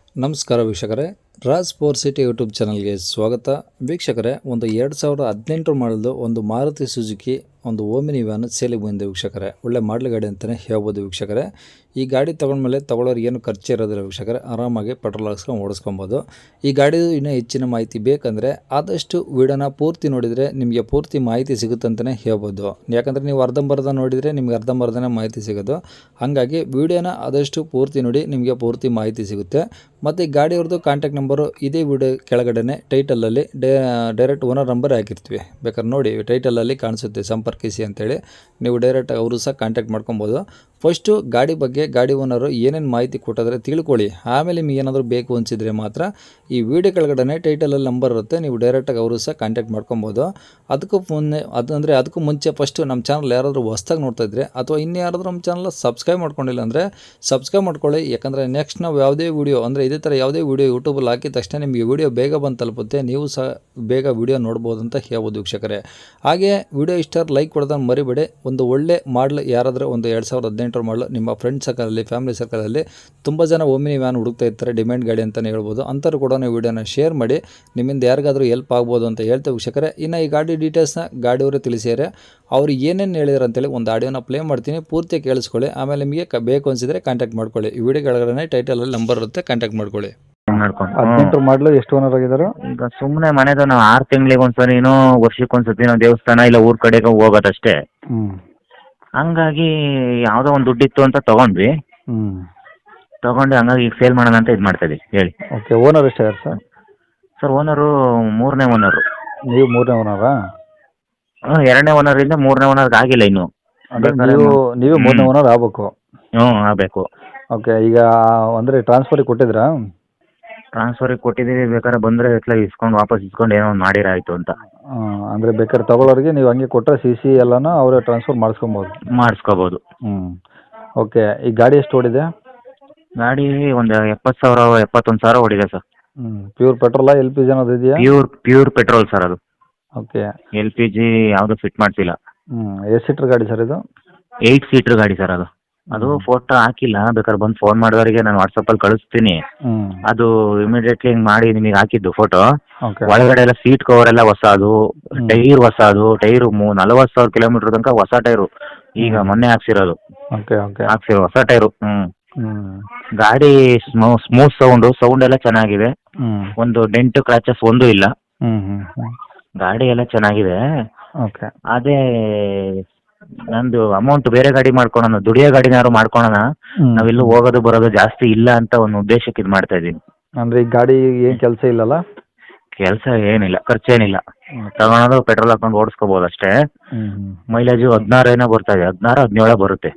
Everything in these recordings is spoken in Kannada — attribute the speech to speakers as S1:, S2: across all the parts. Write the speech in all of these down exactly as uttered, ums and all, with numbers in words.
S1: ನಮಸ್ಕಾರ ವೀಕ್ಷಕರೇ, ರಾಜ್ ಫೋರ್ ಸಿಟಿ ಯೂಟ್ಯೂಬ್ ಚಾನಲ್ಗೆ ಸ್ವಾಗತ. ವೀಕ್ಷಕರೇ, ಒಂದು ಎರಡು ಸಾವಿರದ ಹದಿನೆಂಟು ಮಾಡಲು ಒಂದು ಮಾರುತಿ ಸುಜುಕಿ ಒಂದು ಓಮಿನಿ ವ್ಯಾನ್ ಸೇಲಿಗೆ ಬಂದಿದೆ ವೀಕ್ಷಕರೇ. ಒಳ್ಳೆ ಮಾಡಲ್ ಗಾಡಿ ಅಂತಲೇ ಹೇಳ್ಬೋದು ವೀಕ್ಷಕರೇ. ಈ ಗಾಡಿ ತೊಗೊಂಡ್ಮೇಲೆ ತೊಗೊಳೋರಿಗೆ ಏನು ಖರ್ಚು ಇರೋದಿಲ್ಲ ವೀಕ್ಷಕರೇ. ಆರಾಮಾಗಿ ಪೆಟ್ರೋಲ್ ಹಾಕ್ಸ್ಕೊಂಡು ಓಡಿಸ್ಕೊಬೋದು. ಈ ಗಾಡಿದು ಇನ್ನೂ ಹೆಚ್ಚಿನ ಮಾಹಿತಿ ಬೇಕಂದರೆ ಆದಷ್ಟು ವಿಡಿಯೋನ ಪೂರ್ತಿ ನೋಡಿದರೆ ನಿಮಗೆ ಪೂರ್ತಿ ಮಾಹಿತಿ ಸಿಗುತ್ತಂತಲೇ ಹೇಳ್ಬೋದು. ಯಾಕಂದರೆ ನೀವು ಅರ್ಧಂಬರ್ಧ ನೋಡಿದರೆ ನಿಮಗೆ ಅರ್ಧಂಬರ್ಧನೇ ಮಾಹಿತಿ ಸಿಗೋದು. ಹಾಗಾಗಿ ವಿಡಿಯೋನ ಆದಷ್ಟು ಪೂರ್ತಿ ನೋಡಿ, ನಿಮಗೆ ಪೂರ್ತಿ ಮಾಹಿತಿ ಸಿಗುತ್ತೆ. ಮತ್ತು ಈ ಗಾಡಿಯವ್ರದ್ದು ಕಾಂಟ್ಯಾಕ್ಟ್ ನಂಬರು ಇದೇ ವಿಡಿಯೋ ಕೆಳಗಡೆ ಟೈಟಲಲ್ಲಿ ಡೇ ಡೈರೆಕ್ಟ್ ಓನರ್ ನಂಬರ್ ಹಾಕಿರ್ತೀವಿ. ಬೇಕಾದ್ರೆ ನೋಡಿ, ಟೈಟಲಲ್ಲಿ ಕಾಣಿಸುತ್ತೆ ಸಂಪರ್ಕಿಸಿ ಅಂತೇಳಿ. ನೀವು ಡೈರೆಕ್ಟ್ ಅವರು ಸಹ ಕಾಂಟ್ಯಾಕ್ಟ್ ಮಾಡ್ಕೊಬೋದು. ಫಸ್ಟು ಗಾಡಿ ಬಗ್ಗೆ ಗಾಡಿ ಓನರು ಏನೇನು ಮಾಹಿತಿ ಕೊಟ್ಟಿದ್ರೆ ತಿಳ್ಕೊಳ್ಳಿ. ಆಮೇಲೆ ನಿಮಗೆ ಏನಾದರೂ ಬೇಕು ಅನಿಸಿದರೆ ಮಾತ್ರ ಈ ವಿಡಿಯೋ ಕೆಳಗಡೆ ಟೈಟಲಲ್ಲಿ ನಂಬರ್ ಇರುತ್ತೆ, ನೀವು ಡೈರೆಕ್ಟಾಗಿ ಅವರು ಸಹ ಕಾಂಟ್ಯಾಕ್ಟ್ ಮಾಡ್ಕೊಬೋದು. ಅದಕ್ಕೂ ಮುನ್ನೆ ಅದು ಅಂದರೆ ಅದಕ್ಕೂ ಮುಂಚೆ ಫಸ್ಟು ನಮ್ಮ ಚಾನಲ್ ಯಾರಾದರೂ ಹೊಸ್ದಾಗಿ ನೋಡ್ತಾ ಇದ್ದರೆ ಅಥವಾ ಇನ್ನೂ ಯಾರಾದರೂ ನಮ್ಮ ಚಾನಲ್ ಸಬ್ಸ್ಕ್ರೈಬ್ ಮಾಡ್ಕೊಂಡಿಲ್ಲ ಅಂದರೆ ಸಬ್ಸ್ಕ್ರೈಬ್ ಮಾಡ್ಕೊಳ್ಳಿ. ಯಾಕಂದರೆ ನೆಕ್ಸ್ಟ್ ನಾವು ಯಾವುದೇ ವೀಡಿಯೋ ಅಂದರೆ ಇದೇ ಥರ ಯಾವುದೇ ವೀಡಿಯೋ ಯೂಟ್ಯೂಬಲ್ಲಿ ಹಾಕಿದ ತಕ್ಷಣ ನಿಮಗೆ ವಿಡಿಯೋ ಬೇಗ ಬಂದು ತಲುಪುತ್ತೆ, ನೀವು ಸಹ ಬೇಗ ವಿಡಿಯೋ ನೋಡ್ಬೋದು ಅಂತ ಹೇಳ್ಬೋದು ವೀಕ್ಷಕರೇ. ಹಾಗೆ ವಿಡಿಯೋ ಇಷ್ಟ ಲೈಕ್ ಕೊಡೋದನ್ನು ಮರಿಬೇಡಿ. ಒಂದು ಒಳ್ಳೆ ಮಾಡಲ್ ಯಾರಾದರೂ ಒಂದು ಎರಡು ಸಾವಿರದ ಹದಿನೆಂಟರ ಮಾಡಲು ನಿಮ್ಮ ಫ್ರೆಂಡ್ ಸರ್ಕಲಲ್ಲಿ ಫ್ಯಾಮಿಲಿ ಸರ್ಕಲಲ್ಲಿ ತುಂಬ ಜನ ಓಮಿನಿ ವ್ಯಾನ್ ಹುಡುಕ್ತಾ ಇರ್ತಾರೆ, ಡಿಮ್ಯಾಂಡ್ ಗಾಡಿ ಅಂತಲೇ ಹೇಳ್ಬೋದು. ಅಂಥವ್ರು ಕೂಡ ನೀವು ವಿಡಿಯೋನ ಶೇರ್ ಮಾಡಿ, ನಿಮ್ಮಿಂದ ಯಾರಿಗಾದರೂ ಹೆಲ್ಪ್ ಆಗ್ಬೋದು ಅಂತ ಹೇಳ್ತೇವೆ ವೀಕ್ಷಕರೇ. ಇನ್ನು ಈ ಗಾಡಿ ಡೀಟೇಲ್ಸ್ನ ಗಾಡಿಯವರೇ ತಿಳಿಸಿದ್ದಾರೆ. ಅವರು ಏನೇನು ಹೇಳಿದ್ರು ಅಂತೇಳಿ ಒಂದು ಆಡಿಯೋನ ಪ್ಲೇ ಮಾಡ್ತೀನಿ, ಪೂರ್ತಿ ಕೇಳಿಸ್ಕೊಳ್ಳಿ. ಆಮೇಲೆ ನಿಮಗೆ ಬೇಕು ಅನಿಸಿದರೆ ಕಾಂಟ್ಯಾಕ್ಟ್ ಮಾಡ್ಕೊಳ್ಳಿ. ಈ ವಿಡಿಯೋ ಕೆಳಗಡೆ ಟೈಟಲಲ್ಲಿ ನಂಬರ್ ಇರುತ್ತೆ, ಕಾಂಟ್ಯಾಕ್ಟ್ ಮಾಡ್ಕೊಳ್ಳಿ.
S2: ಹದಿನೆಂಟು ಮಾಡಲು ಎಷ್ಟು ಓನರ್ ಆಗಿದ್ದಾರೆ?
S3: ಈಗ ಸುಮ್ಮನೆ ಮನೆದು ನಾವು ಆರು ತಿಂಗಳಿಗೆ ಒಂದ್ಸರಿನೋ ವರ್ಷಕ್ಕೆ ಒಂದ್ಸತಿ ನಾವು ದೇವಸ್ಥಾನ ಇಲ್ಲ ಊರ್ ಕಡೆಗೆ ಹೋಗೋದಷ್ಟೇ.
S2: ಹ್ಮ್
S3: ಹಂಗಾಗಿ ಯಾವುದೋ ಒಂದು ದುಡ್ಡಿತ್ತು ಅಂತ ತಗೊಂಡ್ವಿ.
S2: ಹ್ಮ್
S3: ತಗೊಂಡು ಹಂಗಾಗಿ ಈಗ ಸೇಲ್ ಮಾಡೋಣ ಅಂತ ಇದು ಮಾಡ್ತಾ ಇದೀವಿ. ಹೇಳಿ
S2: ಓಕೆ. ಓನರ್ ಎಷ್ಟಾಗಿದೆ ಸರ್?
S3: ಸರ್ ಓನರು ಮೂರನೇ ಓನರು.
S2: ನೀವು ಮೂರನೇ ಓನರಾ?
S3: ಎರಡನೇ ಓನರ್ ಇಂದ ಮೂರನೇ ಓನರ್ಗೆ ಆಗಿಲ್ಲ ಇನ್ನು.
S2: ಅಂದ್ರೆ ನೀವು ನೀವೇ ಮೂರನೇ ಓನರ್ ಆಗಬೇಕು.
S3: ಹ್ಞೂ ಆಗಬೇಕು.
S2: ಓಕೆ. ಈಗ ಅಂದರೆ ಟ್ರಾನ್ಸ್ಫರಿಗೆ ಕೊಟ್ಟಿದ್ರಾ?
S3: ಟ್ರಾನ್ಸ್ಫರಿಗೆ ಕೊಟ್ಟಿದ್ದೀವಿ. ಬೇಕಾದ್ರೆ ಬಂದರೆ ಎತ್ಲ ಇಸ್ಕೊಂಡು ವಾಪಸ್ ಇಸ್ಕೊಂಡು ಏನೋ ಒಂದು ಮಾಡಿರಾಯ್ತು ಅಂತ.
S2: ಅಂದರೆ ಬೇಕಾದ್ರೆ ತಗೊಳ್ಳೋರಿಗೆ ನೀವು ಹಂಗೆ ಕೊಟ್ಟರೆ ಸಿ ಸಿ ಎಲ್ಲನೂ ಅವರೇ ಟ್ರಾನ್ಸ್ಫರ್ ಮಾಡಿಸ್ಕೊಬೋದು.
S3: ಮಾಡಿಸ್ಕೋಬೋದು.
S2: ಹ್ಞೂ ಓಕೆ. ಈ ಗಾಡಿ ಎಷ್ಟು ಓಡಿದೆ?
S3: ಗಾಡಿ ಒಂದು ಎಪ್ಪತ್ತು ಸಾವಿರ ಎಪ್ಪತ್ತೊಂದು ಸಾವಿರ ಓಡಿದೆ ಸರ್.
S2: ಹ್ಞೂ ಪ್ಯೂರ್ ಪೆಟ್ರೋಲಾ ಎಲ್ ಪಿ ಜಿ ಅನ್ನೋದು ಇದೆಯಾ?
S3: ಪ್ಯೂರ್ ಪ್ಯೂರ್ ಪೆಟ್ರೋಲ್ ಸರ್ ಅದು.
S2: ಓಕೆ.
S3: ಎಲ್ ಪಿ ಜಿ ಯಾವುದು ಫಿಟ್ ಮಾಡ್ತಿಲ್ಲ.
S2: ಹ್ಞೂ ಎಷ್ಟು ಸೀಟ್ರ್ ಗಾಡಿ ಸರ್ ಇದು?
S3: ಏಯ್ಟ್ ಸೀಟ್ರ್ ಗಾಡಿ ಸರ್ ಅದು. ಅದು ಫೋಟೋ ಹಾಕಿಲ್ಲ, ಬೇಕಾದ್ರೆ ಬಂದು ಫೋನ್ ಮಾಡೋರಿಗೆ ನಾನು ವಾಟ್ಸಪ್ಪಲ್ಲಿ ಕಳಿಸ್ತೀನಿ.
S2: ಹ್ಞೂ
S3: ಅದು ಇಮಿಡಿಯೇಟ್ಲಿ ಹಿಂಗೆ ಮಾಡಿ ನಿಮಗೆ ಹಾಕಿದ್ದು ಫೋಟೋ.
S2: ಓಕೆ.
S3: ಒಳಗಡೆ ಎಲ್ಲ ಸೀಟ್ ಕವರ್ ಎಲ್ಲ ಹೊಸದು, ಟೈರ್ ಹೊಸದು, ಟೈರು ಮೂ ನಲವತ್ತು ಸಾವಿರ ಕಿಲೋಮೀಟರ್ ತನಕ ಹೊಸ ಟೈರು. ಈಗ ಮೊನ್ನೆ ಹಾಕ್ಸಿರೋದು.
S2: Okay okay.
S3: ಹಾಕ್ಸಿರೋ ಹೊಸ ಟೈರು. ಹ್ಞೂ
S2: ಹ್ಞೂ
S3: ಗಾಡಿ ಸ್ಮೂ ಸ್ಮೂತ್ ಸೌಂಡು ಸೌಂಡ್ ಎಲ್ಲ ಚೆನ್ನಾಗಿದೆ.
S2: ಹ್ಞೂ
S3: ಒಂದು ಡೆಂಟ್ ಕ್ರಾಚಸ್ ಒಂದು ಇಲ್ಲ.
S2: ಹ್ಞೂ ಹ್ಞೂ ಹ್ಞೂ
S3: ಗಾಡಿ ಎಲ್ಲ ಚೆನ್ನಾಗಿದೆ.
S2: ಓಕೆ.
S3: ಅದೇ ನಂದು ಅಮೌಂಟ್ ಬೇರೆ ಗಾಡಿ ಮಾಡ್ಕೊಳೋಣ, ದುಡಿಯೋ ಗಾಡಿನಾರು ಮಾಡ್ಕೊಳೋಣ, ನಾವೆಲ್ಲೂ ಹೋಗೋದು ಬರೋದು ಜಾಸ್ತಿ ಇಲ್ಲ ಅಂತ ಒಂದು ಉದ್ದೇಶಕ್ಕೆ ಇದು ಮಾಡ್ತಾ ಇದ್ದೀನಿ.
S2: ಅಂದರೆ ಈ ಗಾಡಿ ಏನು ಕೆಲಸ ಇಲ್ಲಲ್ಲ?
S3: ಕೆಲಸ ಏನಿಲ್ಲ, ಖರ್ಚೇನಿಲ್ಲ. ತಗೊಳೋದು ಪೆಟ್ರೋಲ್ ಹಾಕೊಂಡು ಓಡಿಸ್ಕೋಬೋದು ಅಷ್ಟೇ. ಮೈಲೇಜು ಹದಿನಾರು ಏನೋ ಬರ್ತಾ ಇದೆ, ಹದಿನಾರು ಹದಿನೇಳು ಬರುತ್ತೆ.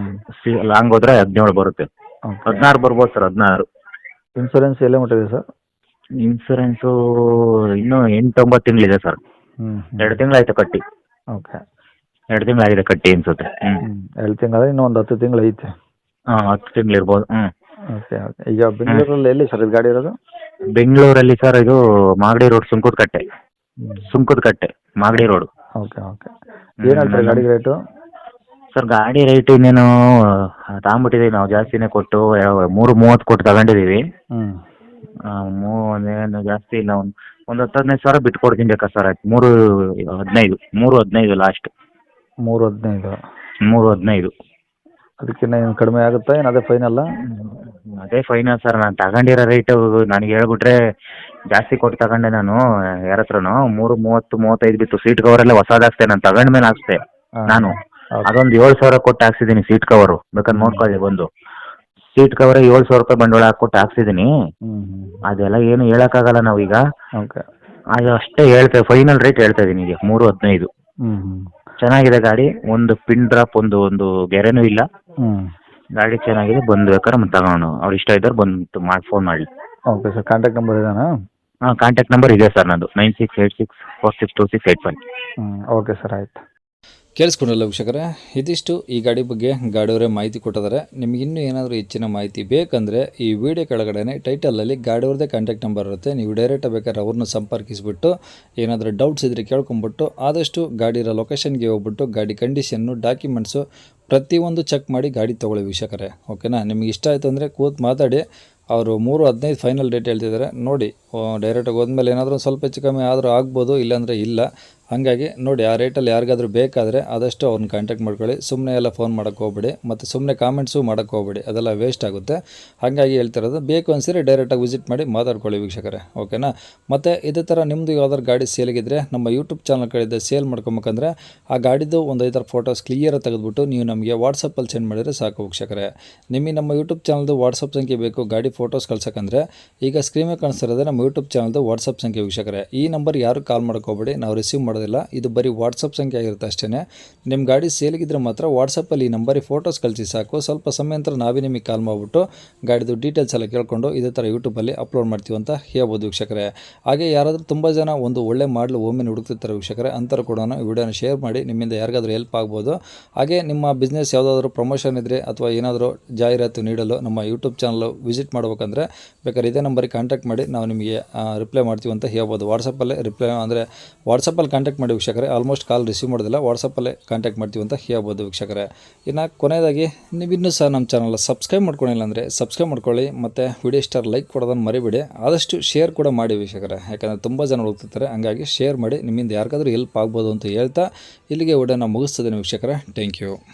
S3: ಲಾಂಗ್ ಹೋದ್ರೆ ಹದಿನೇಳು ಬರುತ್ತೆ. ಹದಿನಾರು ಬರ್ಬೋದು ಸರ್, ಹದಿನಾರು.
S2: ಇನ್ಸೂರೆನ್ಸ್ ಎಲ್ಲೇ ಮುಟ್ಟಿದೆ ಸರ್?
S3: ಇನ್ಸೂರೆನ್ಸು ಇನ್ನೂ ಎಂಟು ಒಂಬತ್ತು ತಿಂಗಳಿದೆ ಸರ್. ಎರಡು ತಿಂಗಳಾಯ್ತು ಕಟ್ಟಿ.
S2: ಓಕೆ.
S3: ಎರಡು ತಿಂಗಳಾಗಿದೆ ಕಟ್ಟಿ ಅನ್ಸುತ್ತೆ. ಹ್ಞೂ
S2: ಎರಡು ತಿಂಗಳಾದ್ರೆ ಇನ್ನೂ ಒಂದು ಹತ್ತು ತಿಂಗಳು ಐತೆ.
S3: ಹಾಂ ಹತ್ತು ತಿಂಗಳು ಇರ್ಬೋದು. ಹ್ಞೂ
S2: ಓಕೆ ಓಕೆ. ಈಗ ಬೆಂಗಳೂರಲ್ಲಿ ಎಲ್ಲಿ ಸರ್ ಇದು ಗಾಡಿ ಇರೋದು?
S3: ಬೆಂಗಳೂರಲ್ಲಿ ಸರ್ ಇದು Magadi road, Sunkadakatte. Sunkadakatte Magadi road.
S2: Okay okay. ಏನು ಹೇಳ್ತಾರೆ ಗಾಡಿ ರೇಟು?
S3: ಸರ್ ಗಾಡಿ ರೇಟ್ ಇನ್ನೇನು ತಗೊಂಬಿಟ್ಟಿದ್ದೀವಿ ನಾವು, ಜಾಸ್ತಿನೇ ಕೊಟ್ಟು ಮೂರು ಮೂವತ್ತು ಕೊಟ್ಟು ತಗೊಂಡಿದ್ದೀವಿ.
S2: ಹ್ಞೂ
S3: ಮೂವನ್ನೇನು ಜಾಸ್ತಿ ಇಲ್ಲ, ಒಂದು ಒಂದು ಹತ್ತು ಹದಿನೈದು ಸಾವಿರ ಬಿಟ್ಟು ಕೊಡ್ತೀನಿ ಬೇಕಾ ಸರ್? ಆಯ್ತು, ಮೂರು ಹದಿನೈದು ಮೂರು ಹದಿನೈದು ಲಾಸ್ಟ್.
S2: ಮೂರು ಹದಿನೈದು
S3: ಮೂರು ಹದಿನೈದು
S2: ಅದಕ್ಕಿಂತ ಏನು ಕಡಿಮೆ ಆಗುತ್ತಾ? ಏನು ಅದೇ ಫೈನಲ್ಲ?
S3: ಅದೇ ಫೈನಲ್ ಸರ್. ನಾನು ತಗೊಂಡಿರೋ ರೇಟು ನನಗೆ ಹೇಳ್ಬಿಟ್ರೆ ಜಾಸ್ತಿ ಕೊಟ್ಟು ತಗೊಂಡೆ ನಾನು ಯಾರ ಹತ್ರನೂ. ಮೂರು ಮೂವತ್ತು ಮೂವತ್ತೈದು ಬಿತ್ತು. ಸೀಟ್ ಕವರೆಲ್ಲ ಹೊಸದಾಗ್ತೇ, ನಾನು ತಗೊಂಡ ಮೇಲೆ ಹಾಕ್ಸ್ದೆ ನಾನು. ಅದೊಂದು ಏಳು ಸಾವಿರ ಕೊಟ್ಟು ಹಾಕ್ಸಿದ್ದೀನಿ ಸೀಟ್ ಕವರು, ಬೇಕಾದ್ರೆ ನೋಡ್ಕೊಳ್ಳಿ ಬಂದು. ಸೀಟ್ ಕವರ್ ಏಳು ಸಾವಿರ ರೂಪಾಯಿ ಬಂಡವಾಳ ಹಾಕ್ಕೊಟ್ಟು ಹಾಕ್ಸಿದ್ದೀನಿ. ಅದೆಲ್ಲ ಏನು ಹೇಳೋಕ್ಕಾಗಲ್ಲ ನಾವೀಗ.
S2: ಓಕೆ.
S3: ಅದು ಅಷ್ಟೇ ಹೇಳ್ತೇವೆ, ಫೈನಲ್ ರೇಟ್ ಹೇಳ್ತಾ ಇದ್ದೀನಿ ಈಗ ಮೂರು ಹದಿನೈದು. ಚೆನ್ನಾಗಿದೆ ಗಾಡಿ, ಒಂದು ಪಿನ್ ಡ್ರಾಪ್ ಒಂದು ಒಂದು ಗೆರೆನೂ ಇಲ್ಲ. ಗಾಡಿ ಚೆನ್ನಾಗಿದೆ, ಬಂದು ಬೇಕಾದ್ರೆ ಮತ್ತೆ ತಗೋಣ. ಅವ್ರು ಇಷ್ಟ ಇದ್ದವ್ರು ಬಂದು ಮಾಡಿ ಫೋನ್ ಮಾಡಿ.
S2: Okay sir. ಕಾಂಟ್ಯಾಕ್ಟ್ ನಂಬರ್ ಇದೇನಾ?
S3: ಹಾಂ ಕಾಂಟ್ಯಾಕ್ಟ್ ನಂಬರ್ ಇದೆ ಸರ್ ನಂದು, nine six eight six four six two six eight five.
S2: ಹ್ಞೂ ಓಕೆ ಸರ್, ಆಯ್ತು.
S1: ಕೇಳಿಸ್ಕೊಂಡಲ್ಲ ವೀಕ್ಷಕರೇ, ಇದಿಷ್ಟು ಈ ಗಾಡಿ ಬಗ್ಗೆ ಗಾಡಿಯವರೇ ಮಾಹಿತಿ ಕೊಟ್ಟಿದ್ದಾರೆ. ನಿಮ್ಗೆ ಇನ್ನೂ ಏನಾದರೂ ಹೆಚ್ಚಿನ ಮಾಹಿತಿ ಬೇಕಂದರೆ ಈ ವಿಡಿಯೋ ಕೆಳಗಡೆ ಟೈಟಲಲ್ಲಿ ಗಾಡಿಯವ್ರದ್ದೇ ಕಾಂಟ್ಯಾಕ್ಟ್ ನಂಬರ್ ಇರುತ್ತೆ, ನೀವು ಡೈರೆಕ್ಟಾಗಿ ಬೇಕಾದ್ರೆ ಅವ್ರನ್ನ ಸಂಪರ್ಕಿಸಿಬಿಟ್ಟು ಏನಾದರೂ ಡೌಟ್ಸ್ ಇದ್ದರೆ ಕೇಳ್ಕೊಂಬಿಟ್ಟು ಆದಷ್ಟು ಗಾಡಿ ಇರೋ ಲೊಕೇಶನ್ಗೆ ಹೋಗ್ಬಿಟ್ಟು ಗಾಡಿ ಕಂಡೀಷನ್ನು ಡಾಕ್ಯುಮೆಂಟ್ಸು ಪ್ರತಿಯೊಂದು ಚೆಕ್ ಮಾಡಿ ಗಾಡಿ ತೊಗೊಳ್ಳಿ ವೀಕ್ಷಕರೇ. ಓಕೆನಾ? ನಿಮ್ಗೆ ಇಷ್ಟ ಆಯಿತು ಅಂದರೆ ಕೂತು ಮಾತಾಡಿ ಅವರು ಮೂರು ಹದಿನೈದು ಫೈನಲ್ ಡೇಟ್ ಹೇಳ್ತಿದ್ದಾರೆ. ನೋಡಿ ಡೈರೆಕ್ಟಾಗಿ ಹೋದ್ಮೇಲೆ ಏನಾದರೂ ಸ್ವಲ್ಪ ಹೆಚ್ಚು ಕಮ್ಮಿ ಆದರೂ ಆಗ್ಬೋದು, ಇಲ್ಲಾಂದರೆ ಇಲ್ಲ. ಹಾಗಾಗಿ ನೋಡಿ ಆ ರೇಟಲ್ಲಿ ಯಾರಿಗಾದ್ರೂ ಬೇಕಾದರೆ ಆದಷ್ಟು ಅವ್ರನ್ನ ಕಾಂಟ್ಯಾಕ್ಟ್ ಮಾಡ್ಕೊಳ್ಳಿ. ಸುಮ್ಮನೆ ಎಲ್ಲ ಫೋನ್ ಮಾಡೋಕ್ಕೆ ಹೋಗ್ಬೇಡಿ, ಮತ್ತು ಸುಮ್ಮನೆ ಕಾಮೆಂಟ್ಸು ಮಾಡೋಕ್ಕೆ ಹೋಗ್ಬೇಡಿ, ಅದೆಲ್ಲ ವೇಸ್ಟ್ ಆಗುತ್ತೆ. ಹಾಗಾಗಿ ಹೇಳ್ತಿರೋದು, ಬೇಕು ಅನಿಸಿದ್ರೆ ಡೈರೆಕ್ಟಾಗಿ ವಿಸಿಟ್ ಮಾಡಿ ಮಾತಾಡ್ಕೊಳ್ಳಿ ವೀಕ್ಷಕರೇ, ಓಕೆನಾ. ಮತ್ತು ಇದೇ ಥರ ನಿಮ್ಮದು ಯಾವ್ದಾದ್ರು ಗಾಡಿ ಸೇಲಿಗಿದ್ರೆ ನಮ್ಮ ಯೂಟ್ಯೂಬ್ ಚಾನಲ್ ಕಡೆಯಿಂದ ಸೇಲ್ ಮಾಡ್ಕೊಬೇಕಂದ್ರೆ ಆ ಗಾಡಿದು ಒಂದು ಐದಾರು ಫೋಟೋಸ್ ಕ್ಲಿಯರಾಗಿ ತೆಗೆದುಬಿಟ್ಟು ನೀವು ನಮಗೆ ವಾಟ್ಸಪ್ಪಲ್ಲಿ ಸೆಂಡ್ ಮಾಡಿದರೆ ಸಾಕು ವೀಕ್ಷಕರೇ. ನಿಮಗೆ ನಮ್ಮ ಯೂಟ್ಯೂಬ್ ಚಾನಲ್ದು ವಾಟ್ಸಪ್ ಸಂಖ್ಯೆ ಬೇಕು ಗಾಡಿ ಫೋಟೋಸ್ ಕಳ್ಸೋಕ್ಕಂದ್ರೆ ಈಗ ಸ್ಕ್ರೀನ್ ಮೇಲೆ ಕಾಣಿಸ್ತಿರೋದೇ ನಮ್ಮ ಯೂಟ್ಯೂಬ್ ಚಾನಲ್ದು ವಾಟ್ಸಪ್ ಸಂಖ್ಯೆ ವೀಕ್ಷಕರೇ. ಈ ನಂಬರ್ ಯಾರು ಕಾಲ್ ಮಾಡೋಕ್ಕೆ ಹೋಗ್ಬೇಡಿ, ನಾವು ರಿಸೀವ್ ಮಾಡೋದಿಲ್ಲ. ಇದು ಬರೀ ವಾಟ್ಸಪ್ ಸಂಖ್ಯೆ ಆಗಿರುತ್ತೆ ಅಷ್ಟೇ. ನಿಮ್ಮ ಗಾಡಿ ಸೇಲಿಗಿದ್ರೆ ಮಾತ್ರ ವಾಟ್ಸಪ್ಪಲ್ಲಿ ಈ ನಂಬರಿಗೆ ಫೋಟೋಸ್ ಕಳಿಸಿ ಸಾಕು. ಸ್ವಲ್ಪ ಸಮಯ ನಂತರ ನಾವೇ ನಿಮಗೆ ಕಾಲ್ ಮಾಡಿಬಿಟ್ಟು ಗಾಡಿದು ಡೀಟೇಲ್ಸ್ ಎಲ್ಲ ಕೇಳ್ಕೊಂಡು ಇದೇ ಥರ ಯೂಟ್ಯೂಬಲ್ಲಿ ಅಪ್ಲೋಡ್ ಮಾಡ್ತೀವಿ ಅಂತ ಹೇಳ್ಬೋದು ವೀಕ್ಷಕರೇ. ಹಾಗೆ ಯಾರಾದರೂ ತುಂಬ ಜನ ಒಂದು ಒಳ್ಳೆ ಮಾಡಲು ಒಮ್ಮೆ ಹುಡುಕ್ತಿರ್ತಾರೆ ವೀಕ್ಷಕರೇ, ಅಂಥವ್ರು ಕೂಡ ವಿಡಿಯೋನ ಶೇರ್ ಮಾಡಿ, ನಿಮ್ಮಿಂದ ಯಾರಿಗಾದ್ರೂ ಹೆಲ್ಪ್ ಆಗ್ಬೋದು. ಹಾಗೆ ನಿಮ್ಮ ಬಿಸ್ನೆಸ್ ಯಾವುದಾದ್ರೂ ಪ್ರಮೋಷನ್ ಇದ್ದರೆ ಅಥವಾ ಏನಾದರೂ ಜಾಹೀರಾತು ನೀಡಲು ನಮ್ಮ ಯೂಟ್ಯೂಬ್ ಚಾನಲ್ ವಿಸಿಟ್ ಮಾಡ್ಬೇಕಂದ್ರೆ ಬೇಕಾದ್ರೆ ಇದೇ ನಂಬರಿಗೆ ಕಾಂಟ್ಯಾಕ್ಟ್ ಮಾಡಿ, ನಾವು ನಿಮಗೆ ರಿಪ್ಲೈ ಮಾಡ್ತೀವಿ ಅಂತ ಹೇಳ್ಬೋದು. ವಾಟ್ಸಪ್ಪಲ್ಲೇ ರಿಪ್ಲೈ ಅಂದರೆ ವಾಟ್ಸಪ್ಪಲ್ಲಿ ಕಾಂಟ್ಯಾಕ್ಟ್ ಮಾಡಿ ವೀಕ್ಷಕರೇ. ಆಲ್ಮೋಸ್ಟ್ ಕಾಲ್ ರಿಸೀವ್ ಮಾಡೋದಿಲ್ಲ, ವಾಟ್ಸಪ್ಪಲ್ಲೇ ಕಾಂಟ್ಯಾಕ್ಟ್ ಮಾಡ್ತೀವಿ ಅಂತ ಹೇಳ್ಬೋದು ವೀಕ್ಷಕರೇ. ಇನ್ನು ಕೊನೆಯದಾಗಿ ನೀವು ಇನ್ನೂ ಸಹ ನಮ್ಮ ಚಾನಲ್ ಸಬ್ಸ್ಕ್ರೈಬ್ ಮಾಡ್ಕೊಂಡಿಲ್ಲ ಅಂದರೆ ಸಬ್ಸ್ಕ್ರೈಬ್ ಮಾಡ್ಕೊಳ್ಳಿ, ಮತ್ತು ವಿಡಿಯೋ ಸ್ಟಾರ್ ಲೈಕ್ ಕೊಡೋದನ್ನು ಮರಿಬೇಡಿ. ಆದಷ್ಟು ಶೇರ್ ಕೂಡ ಮಾಡಿ ವೀಕ್ಷಕರೇ, ಯಾಕಂದರೆ ತುಂಬ ಜನ ಹೋಗ್ತಿರ್ತಾರೆ. ಹಂಗಾಗಿ ಶೇರ್ ಮಾಡಿ, ನಿಮ್ಮಿಂದ ಯಾರಿಗಾದ್ರೂ ಹೆಲ್ಪ್ ಆಗ್ಬೋದು ಅಂತ ಹೇಳ್ತಾ ಇಲ್ಲಿಗೆ ವಿಡಿಯೋನ ಮುಗಿಸ್ತದೆ ವೀಕ್ಷಕರೇ. Thank you.